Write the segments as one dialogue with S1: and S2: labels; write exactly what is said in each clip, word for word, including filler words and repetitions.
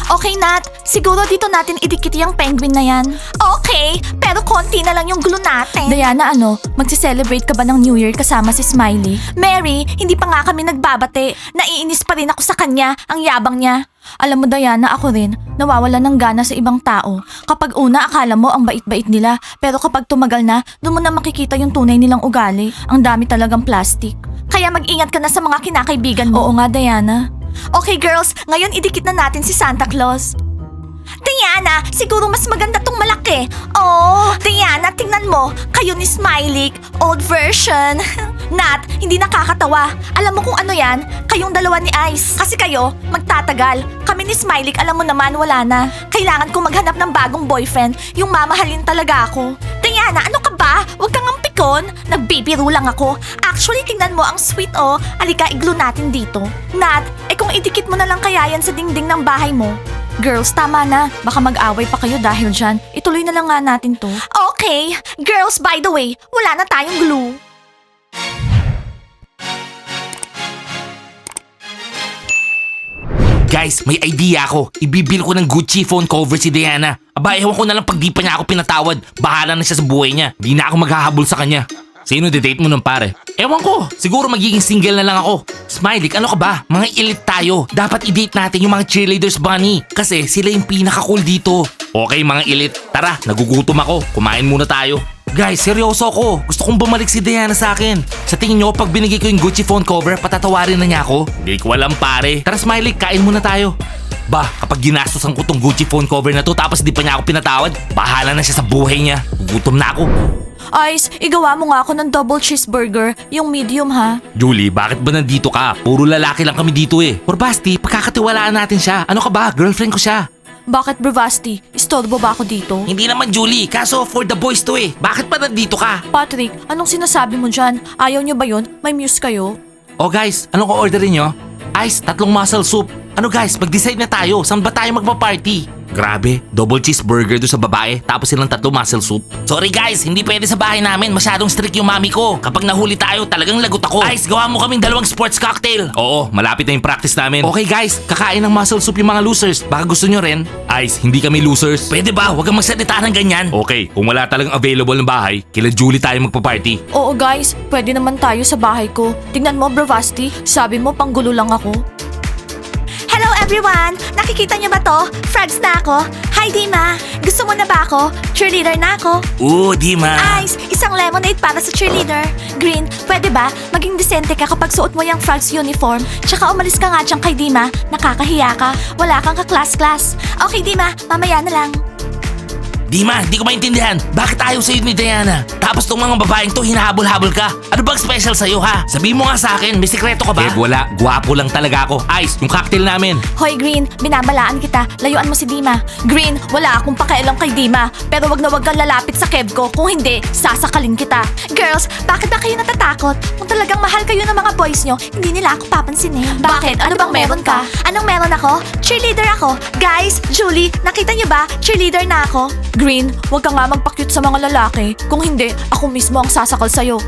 S1: Okay, Nat. Siguro dito natin idikit yung penguin na yan. Okay, pero konti na lang yung glue natin. Diana, ano? Magsi-celebrate ka ba ng New Year kasama si Smiley? Mary, hindi pa nga kami nagbabate. Naiinis pa rin ako sa kanya. Ang yabang niya. Alam mo, Diana, ako rin, nawawala ng gana sa ibang tao. Kapag una, akala mo ang bait-bait nila. Pero kapag tumagal na, doon mo na makikita yung tunay nilang ugali. Ang dami talagang plastic. Kaya mag-ingat ka na sa mga kinakaibigan mo. Oo nga, Diana. Okay, girls, ngayon idikit na natin si Santa Claus. Diana, siguro mas maganda tong malaki. Oh, Diana, tingnan mo. Kayo ni Smiley, old version. Nat, hindi nakakatawa. Alam mo kung ano yan? Kayong dalawa ni Ice. Kasi kayo, magtatagal. Kami ni Smiley, alam mo naman, wala na. Kailangan ko maghanap ng bagong boyfriend. Yung mamahalin talaga ako. Diana, ano ka ba? Huwag kang ampikon. Nagbibiro lang ako. Actually, tingnan mo, ang sweet oh. Alika, i-glue natin dito. Nat, eh kung idikit mo na lang kaya yan sa dingding ng bahay mo. Girls, tama na. Baka mag-away pa kayo dahil dyan. Ituloy na lang nga natin to. Okay. Girls, by the way, wala na tayong glue.
S2: Guys, may idea ako. Ibibil ko ng Gucci phone cover si Diana. Aba, ewan ko na lang pag di pa niya ako pinatawad. Bahala na siya sa buhay niya. Di na ako maghahabol sa kanya. Sino didate mo ng pare? Ewan ko. Siguro magiging single na lang ako. Smiley, ano ka ba? Mga elite tayo. Dapat i-date natin yung mga cheerleaders, Bunny. Kasi sila yung pinaka-cool dito. Okay, mga elite. Tara, nagugutom ako. Kumain muna tayo. Guys, seryoso ako. Gusto kong bumalik si Diana sa akin. Sa tingin nyo, pag binigay ko yung Gucci phone cover, patatawarin na niya ako? Hindi ko alam, pare. Tara, Smiley, kain muna tayo. Ba, kapag ginastosan ko tong Gucci phone cover na to tapos di pa niya ako pinatawad, bahala na siya sa buhay niya. Gugutom na ako.
S1: Ice, igawa mo nga ako ng double cheeseburger, yung medium ha.
S2: Julie, bakit ba nandito ka? Puro lalaki lang kami dito eh. Or Basti, pagkakatiwalaan natin siya. Ano ka ba? Girlfriend ko siya.
S1: Bakit, Bravasti? Istorbo ba ako dito?
S2: Hindi naman, Julie. Kaso for the boys to eh. Bakit pa nandito ka?
S1: Patrick, anong sinasabi mo dyan? Ayaw nyo ba yun? May muse kayo?
S2: Oh guys, anong orderin nyo? Ice, tatlong mussel soup. Ano guys, mag-decide na tayo. Saan ba tayo magpa-party? Grabe, double cheeseburger do sa babae tapos silang tatlo mussel soup. Sorry guys, hindi pwede sa bahay namin. Masyadong strict yung mami ko. Kapag nahuli tayo, talagang lagot ako. Ice, gawa mo kaming dalawang sports cocktail. Oo, malapit na yung practice namin. Okay guys, kakain ng mussel soup yung mga losers. Baka gusto nyo rin? Ice, hindi kami losers. Pwede ba? Huwag kang magsalita ng ganyan. Okay, kung wala talagang available ng bahay, kila Julie tayo magpa-party.
S1: Oo guys, pwede naman tayo sa bahay ko. Tingnan mo, Bravasti, sabi mo panggulo lang ako. Hello everyone! Nakikita niyo ba to? Frogs na ako. Hi Dima! Gusto mo na ba ako? Cheerleader na ako.
S2: Oo, Dima.
S1: Ice, isang lemonade para sa cheerleader. Green, pwede ba? Maging desente ka kapag suot mo yung Frogs uniform. Tsaka umalis ka nga dyan kay Dima. Nakakahiya ka. Wala kang ka-class-class. Okay Dima, mamaya na lang.
S2: Dima, di ko maintindihan. Bakit ayaw sa'yo ni Diana? Tapos tong mga babaeng to, hinahabol-habol ka. Ano bang special sa'yo ha? Sabihin mo nga sa akin, may sikreto ka ba? Eh wala, guwapo lang talaga ako. Ice, yung cocktail namin.
S1: Hoy Green, binabalaan kita. Layuan mo si Dima. Green, wala akong pakialam kay Dima. Pero wag na wag kang lalapit sa keb ko. Kung hindi, sasakalin kita. Girls, bakit ba kayo natatakot? Kung talagang mahal kayo ng mga boys nyo, hindi nila ako papansinin. Bakit? Ano bang meron ka? Anong meron ako? Cheerleader ako. Guys, Julie, nakita niyo ba? Cheerleader na ako. Green, wag ka nga magpa-cute sa mga lalaki. Kung hindi, ako mismo ang sasakal sa'yo.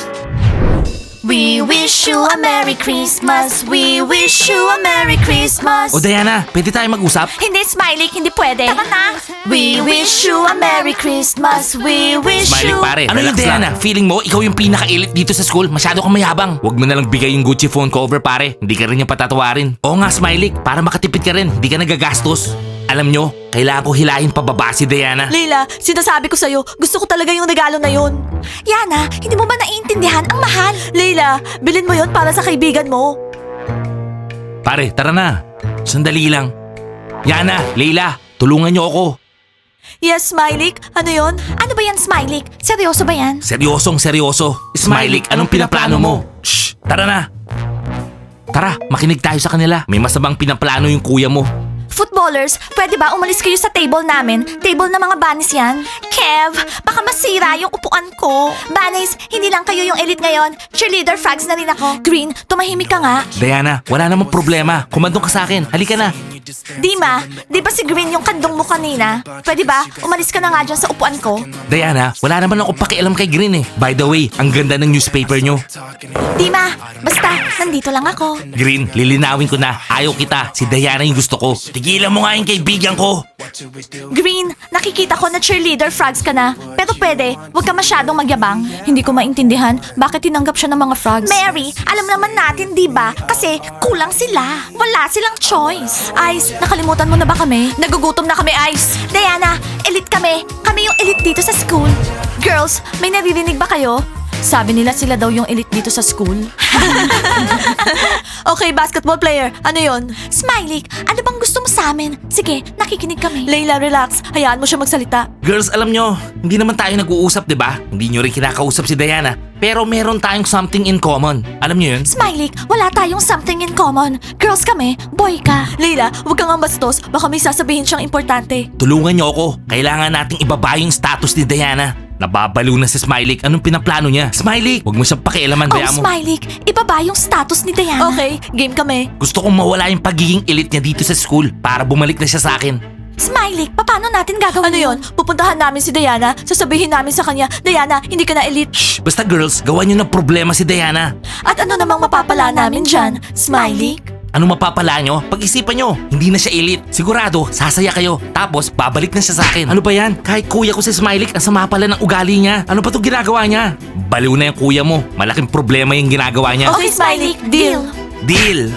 S1: We wish you a Merry Christmas. We wish you a Merry Christmas.
S2: O Diana, pwede tayo mag-usap?
S1: Hindi, Smiley, hindi pwede. Tara na. We wish you a Merry Christmas. We wish
S2: Smiley
S1: you...
S2: pare, ano yung Diana? Feeling mo, ikaw yung pinaka-elite dito sa school. Masyado kang mayabang. Huwag mo na lang bigay yung Gucci phone cover pare. Hindi ka rin yung patatawarin. Oo nga, Smiley, para makatipid ka rin. Hindi ka nagagastos. Alam nyo, kailangan ko hilahin pababa si Diana.
S1: Leila, sinasabi ko sa'yo, gusto ko talaga yung regalo na yun. Yana, hindi mo ba naiintindihan? Ang mahal. Leila, bilhin mo yun para sa kaibigan mo.
S2: Pare, tara na. Sandali lang. Yana, Leila, tulungan nyo ako.
S1: Yes, Smiley. Ano yon? Ano ba yan, Smiley? Seryoso ba yan?
S2: Seryosong seryoso. Smiley, anong pinaplano mo? Shh, tara na. Tara, makinig tayo sa kanila. May masamang pinaplano yung kuya mo.
S1: Footballers, pwede ba umalis kayo sa table namin? Table na mga bunnies yan. Kev, baka masira yung upuan ko. Bunnies, hindi lang kayo yung elite ngayon. Cheerleader frogs na rin ako. Green, tumahimik ka nga.
S2: Diana, wala namang problema. Kumandong ka sa akin. Halika na.
S1: Dima, di ba si Green yung kandong mo kanina? Pwede ba? Umalis ka na nga dyan sa upuan ko.
S2: Diana, wala naman ako pakialam kay Green eh. By the way, ang ganda ng newspaper nyo.
S1: Dima, basta, nandito lang ako.
S2: Green, lilinawin ko na. Ayaw kita. Si Diana yung gusto ko. Tigilan Pagbigyan mo nga yung kaibigan ko.
S1: Green, nakikita ko na cheerleader frogs ka na. Pero pwede, huwag ka masyadong magyabang. Hindi ko maintindihan bakit tinanggap siya ng mga frogs. Mary, alam naman natin, di ba? Kasi kulang sila. Wala silang choice. Ice, nakalimutan mo na ba kami? Nagugutom na kami, Ice. Diana, elite kami. Kami yung elite dito sa school. Girls, may naririnig ba kayo? Sabi nila sila daw yung elite dito sa school. Okay, basketball player. Ano yon? Smiley, ano bang gusto mo sa amin? Sige, nakikinig kami. Layla, relax. Hayaan mo siya magsalita.
S2: Girls, alam nyo, hindi naman tayo nag-uusap, di ba? Hindi nyo rin kinakausap si Diana. Pero meron tayong something in common. Alam nyo yun?
S1: Smiley, wala tayong something in common. Girls kami, boy ka. Layla, huwag kang ang bastos. Baka may sasabihin siyang importante.
S2: Tulungan nyo ako. Kailangan nating ibaba yung status ni Diana. Nababalo na si Smiley. Anong pinaplano niya? Smiley, huwag mo siyang pakialaman,
S1: Oh,
S2: kaya mo.
S1: Smiley, ibaba yung status ni Diana. Okay, game kami.
S2: Gusto kong mawala yung pagiging elite niya dito sa school para bumalik na siya sa akin.
S1: Smiley, paano natin gagawin Ano yon? Pupuntahan namin si Diana, sasabihin namin sa kanya, Diana, hindi ka na elite.
S2: Shh! Basta girls, gawan nyo ng problema si Diana.
S1: At ano namang mapapala namin dyan? Smiley?
S2: Ano mapapala nyo? Pag-isipan nyo, hindi na siya elite. Sigurado, sasaya kayo. Tapos, babalik na siya sa akin. Ano ba yan? Kahit kuya ko si Smiley, ang sama pala ng ugali niya. Ano pa itong ginagawa niya? Baliw na yung kuya mo. Malaking problema yung ginagawa niya.
S1: Okay, Smiley, deal.
S2: Deal!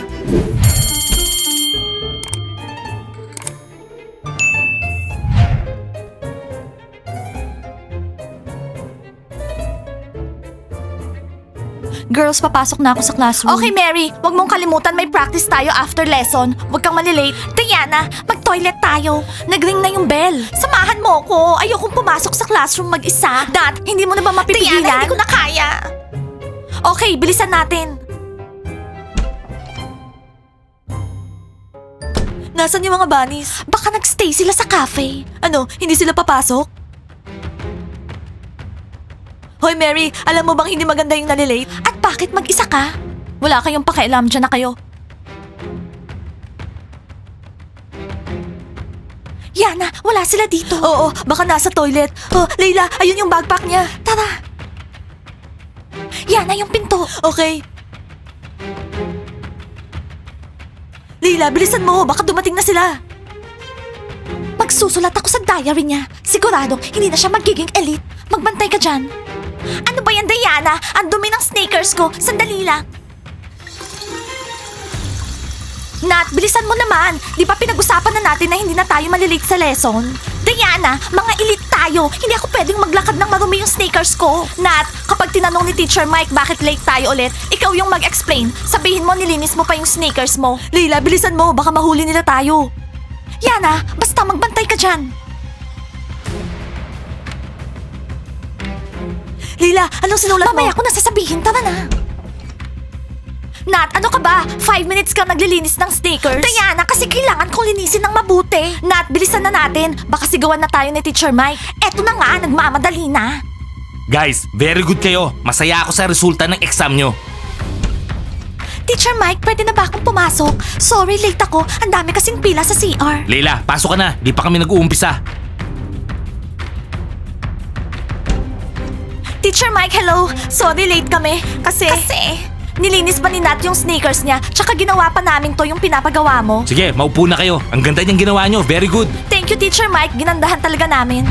S1: Girls, papasok na ako sa classroom. Okay, Mary. Huwag mong kalimutan may practice tayo after lesson. Huwag kang malilate. Diana, mag-toilet tayo. Nagring na yung bell. Samahan mo ko. Ayokong pumasok sa classroom mag-isa. Dad, hindi mo na ba mapipigilan? Diana, hindi ko na kaya. Okay, bilisan natin. Nasaan yung mga bunnies? Baka nagstay sila sa cafe. Ano, hindi sila papasok? Hoy Mary, alam mo bang hindi maganda yung nalilate? At bakit mag-isa ka? Wala kayong pakialam, dyan na kayo. Yana, wala sila dito. Oo, baka nasa toilet. Oh, Layla, ayun yung backpack niya. Tara. Yana, yung pinto. Okay. Layla, bilisan mo. Baka dumating na sila. Magsusulat ako sa diary niya. Sigurado, hindi na siya magiging elite. Magbantay ka dyan. Ano ba yan, Diana? Ang dumi ng sneakers ko. Sandali lang. Nat, bilisan mo naman. Di ba pinag-usapan na natin na hindi na tayo malilate sa lesson? Diana, mga elite tayo. Hindi ako pwedeng maglakad ng marumi yung sneakers ko. Nat, kapag tinanong ni Teacher Mike bakit late tayo ulit, ikaw yung mag-explain. Sabihin mo nilinis mo pa yung sneakers mo. Leila, bilisan mo. Baka mahuli nila tayo. Yana, basta magbantay ka dyan. Leila, anong sinulat mo? Mamaya ko nasasabihin, tara na. Nat, ano ka ba? Five minutes ka naglilinis ng sneakers? Diana, kasi kailangan kong linisin ng mabuti. Nat, bilisan na natin. Baka sigawan na tayo ni Teacher Mike. Eto na nga, nagmamadali na.
S2: Guys, very good kayo. Masaya ako sa resulta ng exam nyo.
S1: Teacher Mike, pwede na ba akong pumasok? Sorry, late ako. Ang dami kasing pila sa C R.
S2: Leila, pasok ka na. Di pa kami nag-uumpisa.
S1: Teacher Mike, hello. Sorry, late kami. Kasi... Kasi... Nilinis pa ni Nat yung sneakers niya, tsaka ginawa pa namin to yung pinapagawa mo.
S2: Sige, maupo na kayo. Ang ganda niyang ginawa nyo. Very good.
S1: Thank you, Teacher Mike. Ginandahan talaga namin.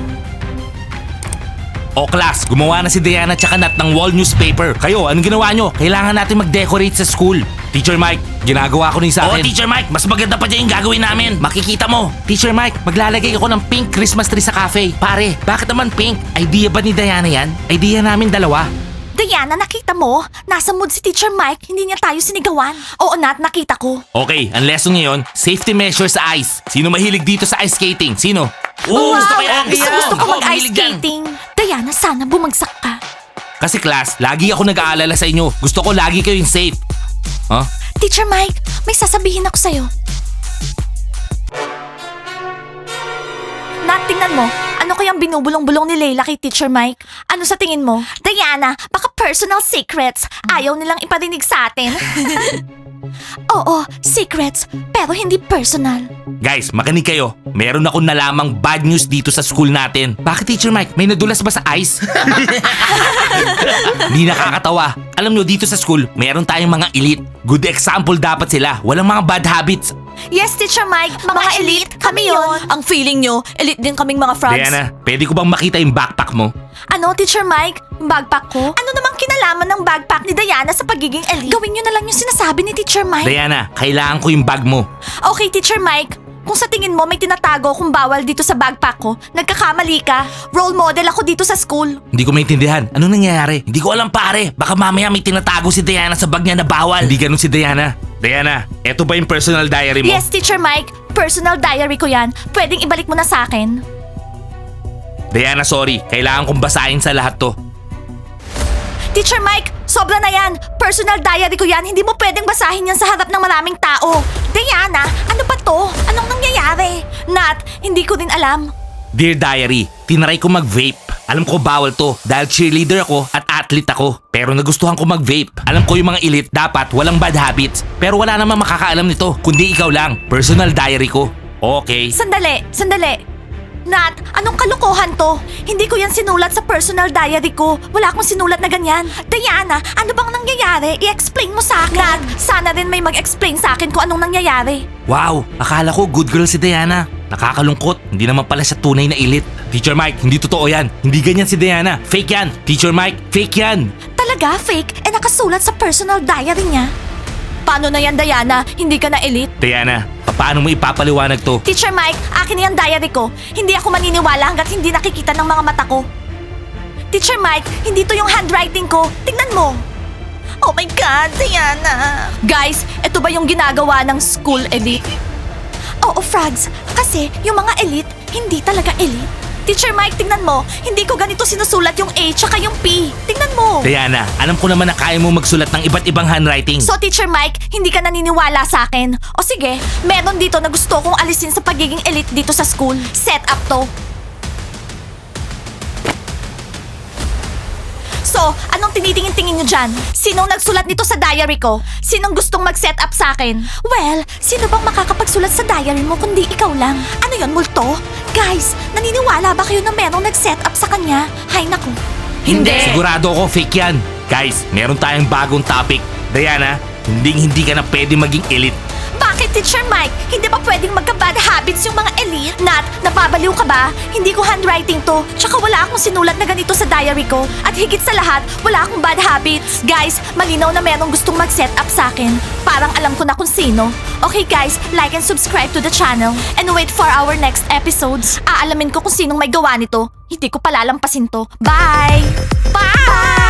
S2: O class, gumawa na si Diana tsaka Nat ng wall newspaper. Kayo, anong ginawa nyo? Kailangan natin mag-decorate sa school. Teacher Mike, ginagawa ko rin sa akin. Oo, Teacher Mike, mas maganda pa dyan yung gagawin namin. Makikita mo. Teacher Mike, maglalagay ako ng pink Christmas tree sa cafe. Pare, bakit naman pink? Idea ba ni Diana yan? Idea namin dalawa.
S1: Diana, nakita mo? Nasa mood si Teacher Mike, hindi niya tayo sinigawan. Oo, Nat, nakita ko.
S2: Okay, ang lesson ngayon, safety measures sa ice. Sino mahilig dito sa ice skating? Sino? Oo, gusto ko yan.
S1: Gusto,
S2: Yan.
S1: gusto ko
S2: Ako,
S1: mag-ice
S2: mahilig yan.
S1: skating. Diana, sana bumagsak ka.
S2: Kasi class, lagi ako nag-aalala sa inyo. Gusto ko lagi kayong safe. Huh?
S1: Teacher Mike, may sasabihin ako sa'yo. Nat, tingnan mo. Ano kayang binubulong-bulong ni Layla kay Teacher Mike? Ano sa tingin mo? Diana, baka personal secrets. Ayaw nilang iparinig sa atin. Oo, secrets, pero hindi personal.
S2: Guys, makinig kayo. Meron akong nalamang bad news dito sa school natin. Bakit, Teacher Mike? May nadulas ba sa ice? Hindi nakakatawa. Alam nyo, dito sa school, meron tayong mga elite. Good example dapat sila. Walang mga bad habits.
S1: Yes, Teacher Mike. Mga, elite, kami yon. Ang feeling nyo, elite din kaming mga frogs.
S2: Diana, pwede ko bang makita yung backpack mo?
S1: Ano, Teacher Mike? Yung backpack ko? Ano namang kinalaman ng backpack ni Diana sa pagiging elite? Gawin nyo na lang yung sinasabi ni Teacher Mike.
S2: Diana, kailangan ko yung bag mo.
S1: Okay, Teacher Mike. Kung sa tingin mo may tinatago kung bawal dito sa backpack ko, nagkakamali ka. Role model ako dito sa school.
S2: Hindi ko maintindihan. Ano nangyayari? Hindi ko alam pare. Baka mamaya may tinatago si Diana sa bag niya na bawal. Hindi ganun si Diana. Diana, eto ba yung personal diary mo?
S1: Yes, Teacher Mike. Personal diary ko yan. Pwedeng ibalik mo na sa akin.
S2: Diana, sorry. Kailangan kong basahin sa lahat to.
S1: Teacher Mike, sobra na yan. Personal diary ko yan. Hindi mo pwedeng basahin yan sa harap ng maraming tao. Diana, ano ba to? Anong nangyayari? Nat, hindi ko din alam.
S2: Dear Diary, tinry ko mag-vape. Alam ko bawal to dahil cheerleader ako at athlete ako. Pero nagustuhan ko mag-vape. Alam ko yung mga elite dapat walang bad habits. Pero wala namang makakaalam nito kundi ikaw lang. Personal diary ko. Okay.
S1: Sandali, sandali. Nat, anong kalokohan to? Hindi ko yan sinulat sa personal diary ko. Wala akong sinulat na ganyan. Diana, ano bang nangyayari? I-explain mo sa akin. Nat, sana rin may mag-explain sa akin kung anong nangyayari.
S2: Wow, akala ko good girl si Diana. Nakakalungkot, hindi naman pala siya tunay na elite. Teacher Mike, hindi totoo yan. Hindi ganyan si Diana. Fake yan. Teacher Mike, fake yan.
S1: Talaga, fake? Eh nakasulat sa personal diary niya. Paano na yan, Diana? Hindi ka na elite?
S2: Diana, paano mo ipapaliwanag to?
S1: Teacher Mike, akin na yung diary ko. Hindi ako maniniwala hanggat hindi nakikita ng mga mata ko. Teacher Mike, hindi to yung handwriting ko. Tingnan mo. Oh my God, Diana. Guys, ito ba yung ginagawa ng school elite? Oo, Frogs. Kasi yung mga elite, hindi talaga elite. Teacher Mike, tingnan mo. Hindi ko ganito sinusulat yung A tsaka yung P. Tingnan mo.
S2: Diana, alam ko naman na kaya mo magsulat ng iba't ibang handwriting.
S1: So, Teacher Mike, hindi ka naniniwala sa akin. O sige, meron dito na gusto kong alisin sa pagiging elite dito sa school. Set up to. So, anong tinitingin-tingin nyo dyan? Sinong nagsulat nito sa diary ko? Sinong gustong mag-set up sa akin? Well, sino bang makakapagsulat sa diary mo kundi ikaw lang? Ano yon, multo? Guys, naniniwala ba kayo na merong nag-set up sa kanya? Hay naku.
S2: Sigurado ako fake yan. Guys, meron tayong bagong topic. Diana, hindi hindi ka na pwede maging elite.
S1: Bakit, Teacher Mike? Hindi ba pwedeng magka-bad habits yung mga elite? Nat, napabaliw ka ba? Hindi ko handwriting to. Tsaka wala akong sinulat na ganito sa diary ko. At higit sa lahat, wala akong bad habits. Guys, malinaw na merong gustong mag-set up sa akin. Parang alam ko na kung sino. Okay guys, like and subscribe to the channel. And wait for our next episodes. Aalamin ko kung sinong may gawa nito. Hindi ko palalampasin to. Bye! Bye!